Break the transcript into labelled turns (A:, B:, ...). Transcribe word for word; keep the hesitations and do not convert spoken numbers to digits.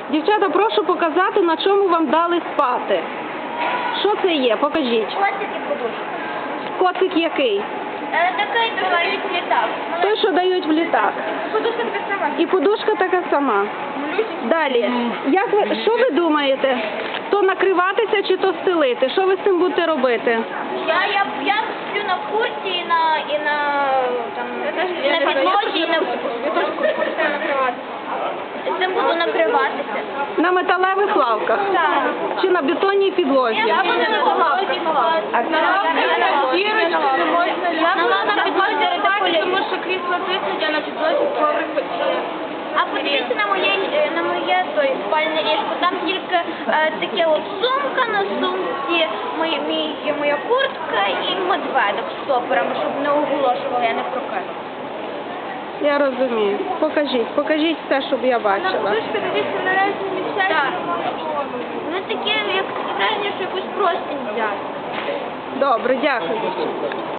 A: Дівчата, прошу показати, на чому вам дали спати. Що це є? Покажіть.
B: Котик і подушка.
A: Коцик який?
B: Е, такий дають в літак.
A: Той, що дають в літак.
B: Подушка така сама.
A: І подушка така сама. Далі. Як ви, що ви думаєте? То накриватися чи то стелити? Що ви з цим будете робити?
B: Я, я, я сплю на курці і на, і на, там, і на підлозі, і на... Я теж курці накриватися. Цим буду накриватися.
A: На металевих лавках?
B: Так.
A: Чи на бетонній підлозі?
B: Я буду на лавці.
C: А на лавках дірочки не можна
B: На лавках підлозі редикулі.
C: тому що крісло тиснуть, а на підлозі коврик почне.
B: А подивіться на моє, на моє той спальне ліжко. Там тільки е, таке от сумка, на сумці мої, мій, моя куртка і медведик з стопорами, щоб не оголошував, я не прокину.
A: Я розумію. Покажіть, покажіть все, щоб я бачила.
C: Подушка, дивіться, на різні місця.
B: Так. Ну таке, як таке враження, що якусь простінь взяти.
A: Добре, дякую.